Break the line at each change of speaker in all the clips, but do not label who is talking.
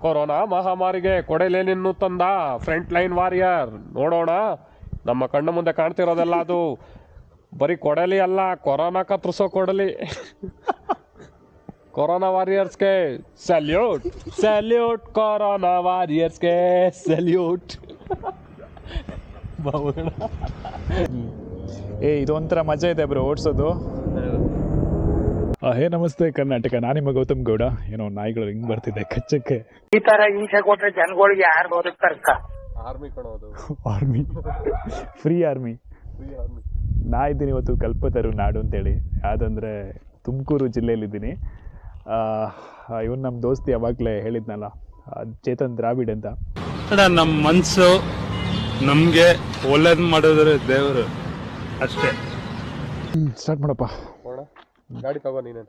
Corona ಮಹಾಮಾರಿಗೆ ಕೊಡೆಲೇನಿನ್ನು ತಂದ front line warrior. ನೋಡೋಣ, ನಮ್ಮ ಕಣ್ಣು ಮುಂದೆ ಕಾಣ್ತಿರೋದೆಲ್ಲ ಅದು ಬರೀ ಕೊಡಲಿ ಅಲ್ಲ, ಕೊರೋನಾ ಕತ್ರಿಸೋ ಕೊಡಲಿ. ಕೊರೋನಾ ವಾರಿಯರ್ಸ್ಗೆ ಸಲ್ಯೂಟ್, ಸಲ್ಯೂಟ್, ಕೊರೋನಾ ವಾರಿಯರ್ಸ್ಗೆ ಸಲ್ಯೂಟ್.
ಇದೊಂಥರ ಮಜಾ ಇದೆ ಬ್ರೋ ಓಡಿಸೋದು. ಹೇ ನಮಸ್ತೆ ಕರ್ನಾಟಕ, ನಾನು ನಿಮ್ಮ ಗೌತಮ್ ಗೌಡ. ಏನೋ ನಾಯಿಗಳು ಹಿಂಗ್ ಬರ್ತಿದೆ ಕಚ್ಚಕ್ಕೆ.
ಈ ತರ ಹಿಂಸೆ ಕೊಟ್ರೆ ಜನಗಳಿಗೆ ಯಾರು ಬದುಕ್ತಾರಕ್ಕ?
ಆರ್ಮಿ ಕಣೋದು,
ಆರ್ಮಿ, ಫ್ರೀ ಆರ್ಮಿ. ನಾ ಇದ್ದೀನಿ ಇವತ್ತು ಕಲ್ಪತರು ನಾಡು ಅಂತೇಳಿ. ಯಾವ್ದಂದ್ರೆ ತುಮಕೂರು ಜಿಲ್ಲೆಯಲ್ಲಿದ್ದೀನಿ. ಇವನು ನಮ್ಮ ದೋಸ್ತಿ ಯಾವಾಗಲೇ ಹೇಳಿದ್ನಲ್ಲ, ಚೇತನ್ ದ್ರಾವಿಡ್ ಅಂತ.
ನಮ್ಮ ಮನಸ್ಸು ನಮಗೆ ಒಳ್ಳೇದು ಮಾಡಿದ್ರೆ ದೇವರು ಅಷ್ಟೇ.
ಸ್ಟಾರ್ಟ್ ಮಾಡಪ್ಪ.
ಗಾಡಿ ತಗೋ ನೀನೇನು.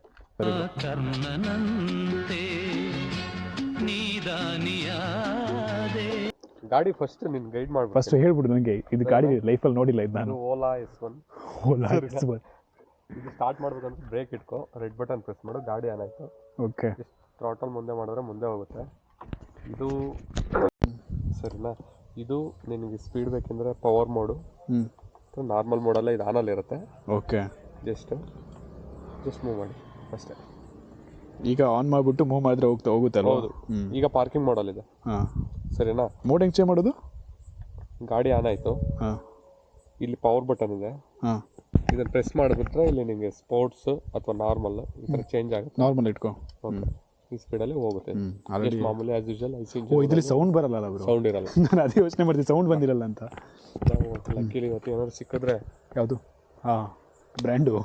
ಗಾಡಿ ಫಸ್ಟ್ ನಿನ್ ಗೈಡ್ ಮಾಡ್ಬಿಡು.
ಫಸ್ಟ್ ಹೇಳ್ಬಿಡು ನನಗೆ, ಇದು ಗಾಡಿ ಲೈಫಲ್ಲಿ ನೋಡಿಲ್ಲ ಇದು ನಾನು.
ಓಲಾ S1.
ಓಲಾ S1.
ಇದು ಸ್ಟಾರ್ಟ್ ಮಾಡ್ಬೇಕಂತ ಬ್ರೇಕ್ ಇಟ್ಕೋ, ರೆಡ್ ಬಟನ್ ಪ್ರೆಸ್ ಮಾಡು, ಗಾಡಿ ಆನ್ ಆಯ್ತು.
ಓಕೆ.
ಥ್ರಾಟಲ್ ಮುಂದೆ ಮಾಡಿದ್ರೆ ಮುಂದೆ ಹೋಗುತ್ತೆ. ಇದು ಸರಿನಾ? ಇದು ನಿನಗೆ ಸ್ಪೀಡ್ ಬೇಕೆಂದರೆ ಪವರ್ ಮೋಡು, ನಾರ್ಮಲ್ ಮೋಡಲ್ಲ ಇದು ಆನಲ್ಲಿ ಇರುತ್ತೆ.
ಓಕೆ.
ಜಸ್ಟ್ ಮೂವ್ ಮಾಡಿ ಅಷ್ಟೇ.
ಈಗ ಆನ್ ಮಾಡಿಬಿಟ್ಟು ಮೂವ್ ಮಾಡಿದ್ರೆ ಹೋಗುತ್ತಲ್ಲ.
ಹೌದು. ಈಗ ಪಾರ್ಕಿಂಗ್ ಮಾಡಲ್ ಇದೆ.
ಹಾಂ,
ಸರಿನಾ?
ಮೋಡ್ ಹೆಂಗೆ ಚೇಂಜ್ ಮಾಡೋದು?
ಗಾಡಿ ಆನ್ ಆಯಿತು.
ಹಾಂ,
ಇಲ್ಲಿ ಪವರ್ ಬಟನ್ ಇದೆ.
ಹಾಂ, ಇದನ್ನು
ಪ್ರೆಸ್ ಮಾಡಿಬಿಟ್ರೆ ಇಲ್ಲಿ ನಿಮಗೆ ಸ್ಪೋರ್ಟ್ಸ್ ಅಥವಾ ನಾರ್ಮಲ್ ಈ ಥರ ಚೇಂಜ್ ಆಗುತ್ತೆ.
ನಾರ್ಮಲ್ ಇಟ್ಕೋ.
ಓಕೆ, ಈ ಸ್ಪೀಡಲ್ಲಿ ಹೋಗುತ್ತೆ.
ಆಲ್ರೆಡಿ
ಮಾಮೂಲಿ ಆಸ್ ಯೂಶುವಲ್ ಐಸಿ.
ಇದರಲ್ಲಿ ಸೌಂಡ್ ಬರಲ್ಲ ಬ್ರೋ?
ಸೌಂಡ್ ಇರಲ್ಲ.
ನಾನು ಅದೇ ಯೋಚನೆ ಮಾಡ್ತೀನಿ, ಸೌಂಡ್ ಬಂದಿರಲ್ಲ ಅಂತ.
ನಾವು ಲಕ್ಕಿಲಿ ಇವತ್ತು ಏನಾದ್ರು ಸಿಕ್ಕಿದ್ರೆ.
ಯಾವುದು? ಹಾಂ, ಬ್ರ್ಯಾಂಡು.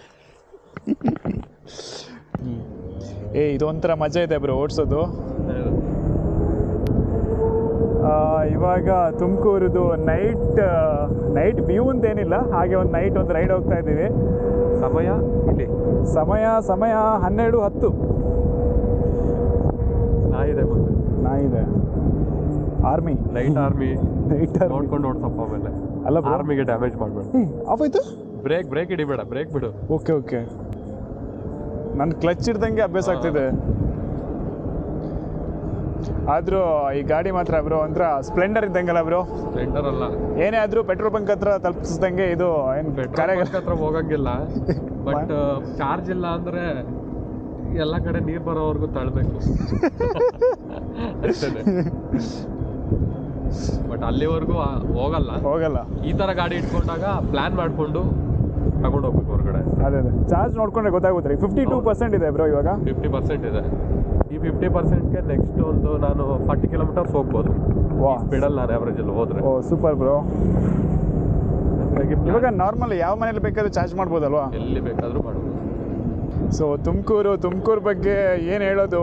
ಇದೊಂಥರ ಮಜಾ ಇದೆ ಬ್ರೋ ಓಡಿಸೋದು. ಇವಾಗ ತುಮಕೂರದು ನೈಟ್ ವ್ಯೂ ಅಂತೇನಿಲ್ಲ, ಹಾಗೆ ಒಂದು ನೈಟ್ ಒಂದು ರೈಡ್ ಹೋಗ್ತಾ ಇದ್ದೀವಿ. ಸಮಯ 12:10. ನಾಯಿದೆ. ಆರ್ಮಿ,
ನೈಟ್ ಆರ್ಮಿ
ನೈಟ್
ನೋಡ್ಕೊಂಡು ಓಡ್ಸಪ್ಪ. ಆಮೇಲೆ
ಅಲ್ಲ,
ಆರ್ಮಿಗೆ ಡ್ಯಾಮೇಜ್ ಮಾಡಬೇಡ.
ಆಫ್ ಆಯ್ತು.
ಬ್ರೇಕ್ ಹಿಡಿಬೇಡ, ಬ್ರೇಕ್ ಬಿಡು.
ಓಕೆ. ನನ್ನ ಕ್ಲಚ್ ಹಿಡ್ದಂಗೆ ಅಭ್ಯಾಸ ಆಗ್ತಿದೆ. ಆದರೂ ಈ ಗಾಡಿ ಮಾತ್ರ ಬ್ರೋ ಒಂಥರ ಸ್ಪ್ಲೆಂಡರ್ ಇದ್ದಂಗಲ್ಲ ಬ್ರೋ?
ಸ್ಪ್ಲೆಂಡರ್ ಅಲ್ಲ,
ಏನೇ ಆದರೂ ಪೆಟ್ರೋಲ್ ಬಂಕ್ ಹತ್ರ ತಲುಪಿಸ್ದಂಗೆ ಇದು. ಏನು
ಬಂಕ್ ಹತ್ರ ಹೋಗಂಗಿಲ್ಲ, ಬಟ್ ಚಾರ್ಜ್ ಇಲ್ಲ ಅಂದ್ರೆ ಎಲ್ಲ ಕಡೆ ನೀರು ಬರೋವರೆಗೂ ತಳ್ಬೇಕು ಅಷ್ಟೇ. ಬಟ್ ಅಲ್ಲಿವರೆಗೂ ಹೋಗಲ್ಲ. ಈ ತರ ಗಾಡಿ ಇಟ್ಕೊಂಡಾಗ ಪ್ಲಾನ್ ಮಾಡ್ಕೊಂಡು ತಗೊಂಡು ಹೋಗ್ಬೇಕು ಹೊರಗಡೆ.
ಅದೇ ಚಾರ್ಜ್ ನೋಡ್ಕೊಂಡ್ರೆ ಗೊತ್ತಾಗುತ್ತೆ. 52% ಇದೆ ಬ್ರೋ ಇವಾಗ.
50% ಇದೆ. ಈ 50%ಗೆ ನೆಕ್ಸ್ಟ್ ಒಂದು ನಾನು 40 ಕಿಲೋಮೀಟರ್ಸ್ ಹೋಗ್ಬೋದು ಸ್ಪೀಡಲ್ಲಿ, ನಾನು ಆವ್ರೇಜಲ್ಲಿ ಹೋದ್ರೆ.
Oh super bro. ಇವಾಗ ನಾರ್ಮಲ್ ಯಾವ ಮನೇಲಿ ಬೇಕಾದ್ರೂ ಚಾರ್ಜ್ ಮಾಡ್ಬೋದಲ್ವಾ?
ಎಲ್ಲಿ ಬೇಕಾದರೂ ಮಾಡ್ಬೋದು.
ಸೊ ತುಮಕೂರು ಬಗ್ಗೆ ಏನು ಹೇಳೋದು?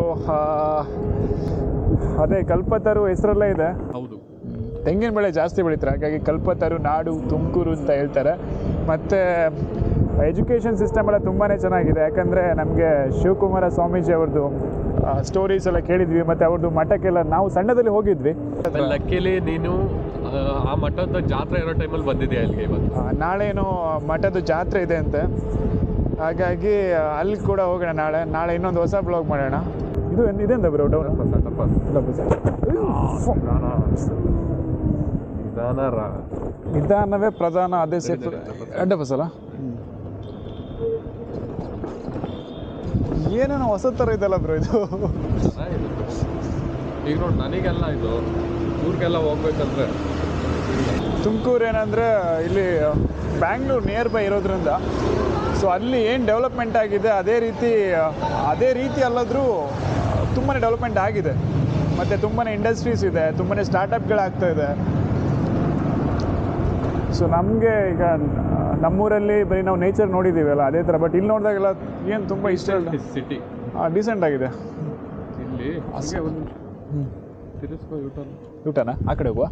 ಅದೇ ಕಲ್ಪತರು ಹೆಸರಲ್ಲೇ ಇದೆ.
ಹೌದು,
ತೆಂಗಿನ ಬೆಳೆ ಜಾಸ್ತಿ ಬೆಳೀತಾರೆ, ಹಾಗಾಗಿ ಕಲ್ಪತರು ನಾಡು ತುಮಕೂರು ಅಂತ ಹೇಳ್ತಾರೆ. ಮತ್ತು ಎಜುಕೇಷನ್ ಸಿಸ್ಟಮ್ ಎಲ್ಲ ತುಂಬಾ ಚೆನ್ನಾಗಿದೆ. ಯಾಕಂದರೆ ನಮಗೆ ಶಿವಕುಮಾರ ಸ್ವಾಮೀಜಿ ಅವ್ರದ್ದು ಸ್ಟೋರೀಸ್ ಎಲ್ಲ ಕೇಳಿದ್ವಿ, ಮತ್ತು ಅವ್ರದ್ದು ಮಠಕ್ಕೆಲ್ಲ ನಾವು ಸಣ್ಣದಲ್ಲಿ ಹೋಗಿದ್ವಿ.
ಲಕ್ಕಿಲಿ ನೀನು ಆ ಮಠದ ಜಾತ್ರೆ ಇರೋ ಟೈಮಲ್ಲಿ ಬಂದಿದೆಯಾ ಇಲ್ಲಿಗೆ? ಇವತ್ತು
ನಾಳೆನೋ ಮಠದ ಜಾತ್ರೆ ಇದೆ ಅಂತೆ, ಹಾಗಾಗಿ ಅಲ್ಲಿ ಕೂಡ ಹೋಗೋಣ. ನಾಳೆ ಇನ್ನೊಂದು ಹೊಸ ಬ್ಲಾಗ್ ಮಾಡೋಣ. ಇದು ಇದೆಂತ ಬ್ರೋ ಡೌನ್? ನಿಧಾನವೇ ಪ್ರಧಾನ, ಅದೇ ಸೇಫ್. ಅಡ್ಡ ಬಸ್ಸಲ್ಲ, ಏನೇನೋ ಹೊಸ ಥರ ಇದೆಲ್ಲ ಬ್ರೋ ಇದು.
ಈಗ ನೋಡಿ, ನನಗೆಲ್ಲ ಇದು ಊರಿಗೆಲ್ಲ ಹೋಗ್ಬೇಕಂದ್ರೆ
ತುಮಕೂರು ಏನಂದರೆ ಇಲ್ಲಿ ಬ್ಯಾಂಗ್ಳೂರು ನಿಯರ್ ಬೈ ಇರೋದ್ರಿಂದ, ಸೊ ಅಲ್ಲಿ ಏನು ಡೆವಲಪ್ಮೆಂಟ್ ಆಗಿದೆ ಅದೇ ರೀತಿ ಅಲ್ಲಾದರೂ ತುಂಬಾ ಡೆವಲಪ್ಮೆಂಟ್ ಆಗಿದೆ. ಮತ್ತು ತುಂಬಾ ಇಂಡಸ್ಟ್ರೀಸ್ ಇದೆ, ತುಂಬಾ ಸ್ಟಾರ್ಟಪ್ಗಳಾಗ್ತಾ ಇದೆ. ಸೊ ನಮಗೆ ಈಗ ನಮ್ಮೂರಲ್ಲಿ ಬರೀ ನಾವು ನೇಚರ್ ನೋಡಿದ್ದೀವಲ್ಲ ಅದೇ ಥರ, ಬಟ್ ಇಲ್ಲಿ ನೋಡಿದಾಗೆಲ್ಲ ಏನು ತುಂಬ ಇಷ್ಟ ಇಲ್ಲ.
ಸಿಟಿ
ಡೀಸೆಂಟ್ ಆಗಿದೆ.
ಇಲ್ಲಿ ತಿರುಸ್ಕೋ,
ಊಟನಾ ಆ ಕಡೆ ಹೋಗುವ.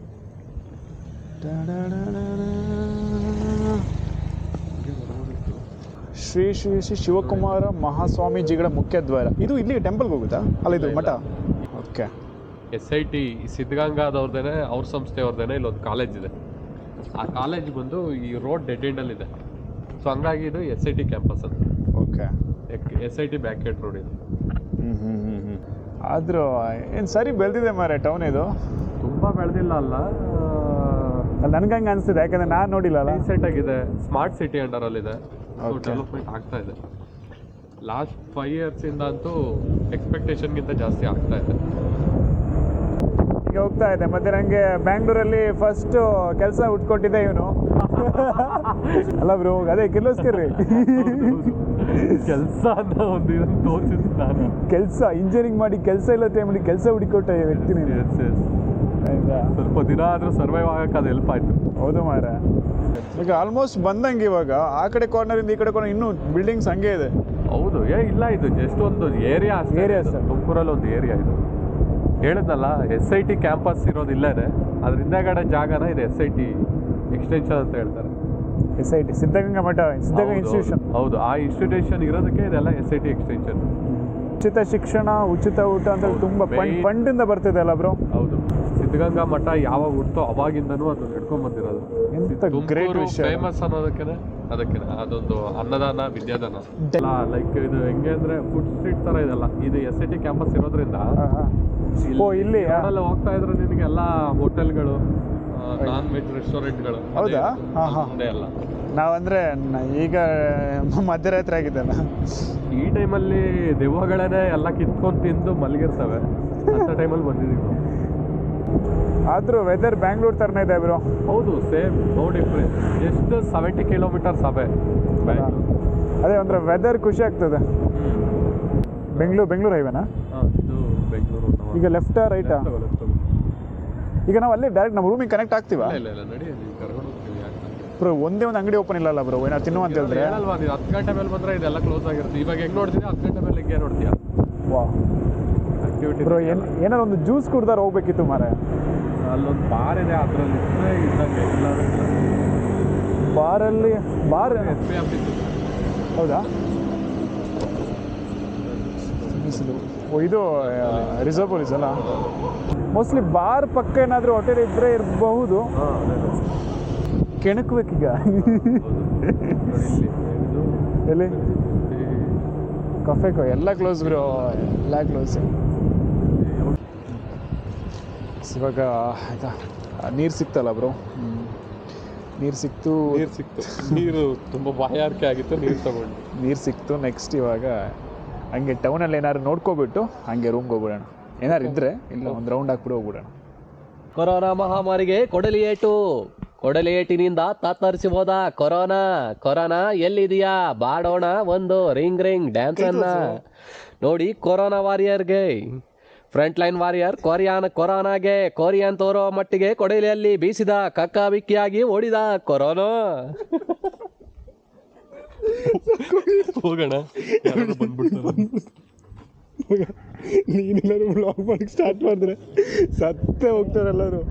ಶ್ರೀ ಶ್ರೀ ಶ್ರೀ ಶಿವಕುಮಾರ ಮಹಾಸ್ವಾಮೀಜಿಗಳ ಮುಖ್ಯ ದ್ವಾರ. ಇದು ಇಲ್ಲಿ ಟೆಂಪಲ್ಗೆ ಹೋಗುತ್ತಾ? ಅಲ್ಲ, ಇದು ಮಠ. ಓಕೆ.
SIT ಸಿದ್ಧಗಂಗಾದವ್ರದ್ದೇನೆ, ಅವ್ರ ಸಂಸ್ಥೆಯವ್ರದ್ದೇನೆ ಇಲ್ಲೊಂದು ಕಾಲೇಜ್ ಇದೆ. ಆ ಕಾಲೇಜ್ ಬಂದು ಈ ರೋಡ್ ಡೆಡ್ ಎಂಡಲ್ಲಿದೆ. ಸೊ ಹಂಗಾಗಿ ಇದು SIT ಕ್ಯಾಂಪಸ್ ಅಂತ.
Okay.
SIT back gate road ಇದು.
ಆದರೂ ಏನು ಸರಿ ಬೆಳೆದಿದೆ ಮಾರೆ ಟೌನ್ ಇದು.
ತುಂಬ ಬೆಳೆದಿಲ್ಲ ಅಲ್ಲ,
ಅಲ್ಲಿ ನನಗೆ ಹಂಗೆ ಅನಿಸ್ತಿದೆ, ಯಾಕಂದರೆ ನಾನು ನೋಡಿಲ್ಲಲ್ಲ.
ರೀಸೆಂಟ್ ಆಗಿದೆ, ಸ್ಮಾರ್ಟ್ ಸಿಟಿ ಅಂಡರಲ್ಲಿದೆ,
Okay.
ಡೆವಲಪ್ಮೆಂಟ್ ಆಗ್ತಾ ಇದೆ. ಲಾಸ್ಟ್ 5 ಇಯರ್ಸಿಂದ ಅಂತೂ ಎಕ್ಸ್ಪೆಕ್ಟೇಷನ್ಗಿಂತ ಜಾಸ್ತಿ ಆಗ್ತಾ ಇದೆ.
ಈಗ ಹೋಗ್ತಾ ಇದೆ. ಮತ್ತು ನನಗೆ ಬ್ಯಾಂಗ್ಳೂರಲ್ಲಿ ಫಸ್ಟು ಕೆಲಸ ಹುಟ್ಕೊಟ್ಟಿದ್ದೆ ಇವನು. ಅಲ್ಲ ಬ್ರೋ, ಅದೇ ಕಿರ್ಲೋಸ್ಕರ್ರಿ
ಕೆಲಸ ಅಂತ ಒಂದು ಇದನ್ನು ತೋರಿಸಿದ್ದು ನಾನು.
ಕೆಲಸ ಇಂಜಿನಿಯರಿಂಗ್ ಮಾಡಿ ಕೆಲಸ ಇಲ್ಲ ಟೈಮಲ್ಲಿ ಕೆಲಸ ಹುಡುಕೊಟ್ಟ ವ್ಯಕ್ತಿ ನೀನು. ಆಯ್ತಾ,
ಸ್ವಲ್ಪ ದಿನ ಆದರೂ ಸರ್ವೈವ್ ಆಗಕ್ಕೆ ಅದು ಹೆಲ್ಪ್ ಆಯಿತು.
ಹೌದು ಮಾರ. ಈಗ ಆಲ್ಮೋಸ್ಟ್ ಬಂದಂಗೆ ಇವಾಗ ಆ ಕಡೆ ಕಾರ್ನರಿಂದ ಈ ಕಡೆ ಕಾರ್ನರ್ ಇನ್ನೂ ಬಿಲ್ಡಿಂಗ್ಸ್ ಹಂಗೆ ಇದೆ.
ಹೌದು, ಇಲ್ಲ ಇದು ಜಸ್ಟ್ ಒಂದು ಏರಿಯಾ
Area
ಅಷ್ಟೇ.
ಅಷ್ಟೇ.
ತುಮಕೂರಲ್ಲಿ ಒಂದು ಏರಿಯಾ ಇದು. ಹೇಳಿದ್ನಲ್ಲ, SIT ಕ್ಯಾಂಪಸ್ ಇರೋದು ಇಲ್ಲೇನೆ, ಅದ್ರ ಹಿಂದೆಗಡೆ ಜಾಗನ ಇದು SIT ಎಕ್ಸ್ಟೆನ್ಷನ್ ಅಂತ ಹೇಳ್ತಾರೆ.
SIT ಸಿದ್ಧಗಂಗಾ ಮಠ, ಸಿದ್ಧಗಂಗಾ ಇನ್ಸ್ಟಿಟ್ಯೂಷನ್.
ಹೌದು, ಆ ಇನ್ಸ್ಟಿಟ್ಯೂಷನ್ ಇರೋದಕ್ಕೆ ಇದೆಲ್ಲ SIT ಎಕ್ಸ್ಟೆನ್ಷನ್.
ಉಚಿತ ಶಿಕ್ಷಣ, ಉಚಿತ ಊಟ ಅಂತ
ಹೌದು,
ತುಂಬ
main-
ಫಂಡಿಂದ ಬರ್ತಿದೆ ಅಲ್ಲ ಬ್ರೋ.
ಹೌದು, ಸಿದ್ಧಗಂಗಾ ಮಠ ಯಾವಾಗ ಹುಟ್ಟೋ ಅವಾಗಿಂದನೂ ಅದು ನಡ್ಕೊಂಡ್ ಬಂದಿರೋದು.
ಎಂತ ಗ್ರೇಟ್ ವಿಷಯ.
ಫೇಮಸ್ ಅನ್ನೋದಕ್ಕೆ ಅದಕ್ಕೆ ಅದೊಂದು ಅನ್ನದಾನ, ವಿದ್ಯಾದಾನ. ಲೈಕ್ ಇದು ಹೆಂಗೆ ಅಂದ್ರೆ ಫುಡ್ ಸ್ಟ್ರೀಟ್ ತರ ಇದೆಲ್ಲ. ಇದು SIT ಕ್ಯಾಂಪಸ್ ಇರೋದ್ರಿಂದ
ಓ ಇಲ್ಲಿ
ರೋಡಲ್ಲಿ ಹೋಗ್ತಾ ಇದ್ರೆ ನಿನಗೆ ಎಲ್ಲ ಹೋಟೆಲ್ಗಳು, ನಾನ್ ವೆಜ್ ರೆಸ್ಟೋರೆಂಟ್ಗಳು.
ಹೌದಾ? ಹಾ, ಹಾ.
ಮುಂದೆ ಎಲ್ಲ
ನಾವಂದ್ರೆ ಈಗ ಮಧ್ಯರಾತ್ರಿ ಆಗಿದ್ದಲ್ಲ,
ಈ ಟೈಮಲ್ಲಿ ದೆವ್ವಗಳನ್ನೇ ಎಲ್ಲ ಕಿತ್ಕೊಂಡು ತಿಂದು ಮಲಗಿರ್ತವೆ. ಅಂತ ಟೈಮಲ್ಲಿ ಬಂದಿದ್ದೀವಿ ನಾವು.
ಆದರೂ ವೆದರ್ ಬ್ಯಾಂಗ್ಳೂರ್ ಥರನೇ ಇದೆ ಬ್ರೋ.
ಹೌದು, ಸೇಮ್, ನೋ ಡಿಫ್ರೆನ್ಸ್. ಎಷ್ಟು 70 ಕಿಲೋಮೀಟರ್ಸ್ ಅವೇ ಬ್ಯಾಂಗ್ಳೂರ್.
ಅದೇ ಒಂಥರ ವೆದರ್ ಖುಷಿ ಆಗ್ತದೆ. ಬೆಂಗಳೂರು ಹೈವೇನಾ?
ಇದು ಬೆಂಗಳೂರು.
ಈಗ ಲೆಫ್ಟಾ ರೈಟಾ? ಈಗ ನಾವು ಅಲ್ಲೇ ಡೈರೆಕ್ಟ್ ನಮ್ಮ ರೂಮಿಗೆ ಕನೆಕ್ಟ್ ಆಗ್ತೀವಾ?
ಇಲ್ಲ ನಡಿ, ನೀವು ಕರ್ಕೊಂಡು ಹೋಗ್ತೀವಿ. ಯಾಕೆ
ಬ್ರೋ ಒಂದೇ ಒಂದು ಅಂಗಡಿ ಓಪನ್ ಇಲ್ಲಲ್ಲ ಬ್ರೋ, ಏನೋ ತಿನ್ನು ಅಂತ ಹೇಳಿದ್ರೆ.
ಹೇಳಲ್ವಾ ನೀವು 10 ಗಂಟೆ ಮೇಲೆ ಬಂದರೆ ಇದೆಲ್ಲ ಕ್ಲೋಸ್ ಆಗಿರುತ್ತೆ. ಇವಾಗ ಹೆಂಗೆ ನೋಡ್ತೀವಿ 10 ಗಂಟೆ ಮೇಲೆ ಹಿಂಗೆ ನೋಡ್ತೀಯಾ
ವಾ
ಆಕ್ಟಿವಿಟಿ.
ಬ್ರೋ ಏನಾರು ಒಂದು ಜ್ಯೂಸ್ ಕುಡ್ದಾರ ಹೋಗ್ಬೇಕಿತ್ತು ಮಾರೆ.
ಅಲ್ಲೊಂದು ಬಾರ್ ಇದೆ, ಅದರಲ್ಲಿ ಇದ್ದಂಗೆ
ಬಾರಲ್ಲಿ ಬಾರ್
SB ಆಫೀಸ್.
ಹೌದಾ? ಓ ಇದು ರಿಸರ್ವ್ ಪೊಲೀಸ್ ಅಲ್ಲ. ಮೋಸ್ಟ್ಲಿ ಬಾರ್ ಪಕ್ಕ ಏನಾದರೂ ಹೋಟೆಲ್ ಇದ್ದರೆ ಇರಬಹುದು. ಕೆಣಕ್ಬೇಕೀಗ. ಎಲ್ಲಿ ಕಫೆಕೋ ಎಲ್ಲ ಕ್ಲೋಸ್ ಬ್ರೋ, ಎಲ್ಲ ಕ್ಲೋಸ್. ಇವಾಗ ಆಯ್ತಾ, ನೀರು ಸಿಕ್ತಲ್ಲ ಬ್ರೋ? ನೀರು ಸಿಕ್ತು.
ನೀರು ತುಂಬ ಬಾಯಾರಿಕೆ ಆಗಿತ್ತು, ನೀರು
ಸಿಕ್ತು. ನೆಕ್ಸ್ಟ್ ಇವಾಗ ಹಂಗೆ ಟೌನಲ್ಲಿ ಏನಾದ್ರು ನೋಡ್ಕೊಬಿಟ್ಟು ಹಂಗೆ ರೂಮ್ಗೆ ಹೋಗ್ಬಿಡೋಣ. ಏನಾರು ಇದ್ದರೆ ಇಲ್ಲ ಒಂದು ರೌಂಡ್ ಹಾಕ್ಬಿಟ್ಟು ಹೋಗ್ಬಿಡೋಣ.
ಕೊರೋನಾ ಮಹಾಮಾರಿಗೆ ಕೊಡಲಿ ಏಟಿನಿಂದ ತತ್ತರಿಸಿ ಹೋದ ಕೊರೋನಾ ಎಲ್ಲಿದೆಯಾ ಬಾಡೋಣ ಒಂದು ರಿಂಗ್ ಡ್ಯಾನ್ಸ್ ಅನ್ನ ನೋಡಿ. ಕೊರೋನಾ ವಾರಿಯರ್ಗೆ ಫ್ರಂಟ್ ಲೈನ್ ವಾರಿಯರ್ ಕೊರೋನಾಗೆ ಕೊರಿಯನ್ ತೋರೋ ಮಟ್ಟಿಗೆ ಕೊಡಲಿಯಲ್ಲಿ ಬೀಸಿದ ಕಕ್ಕಾಬಿಕ್ಕಿಯಾಗಿ ಓಡಿದ ಕೊರೋನಾ.
ಹೋಗೋಣ,
ನೀನೆಲ್ಲರೂ ಬ್ಲಾಗ್ ಮಾಡಕ್ಕೆ ಸ್ಟಾರ್ಟ್ ಮಾಡಿದ್ರೆ ಸತ್ತೇ ಹೋಗ್ತಾರೆಲ್ಲರೂ.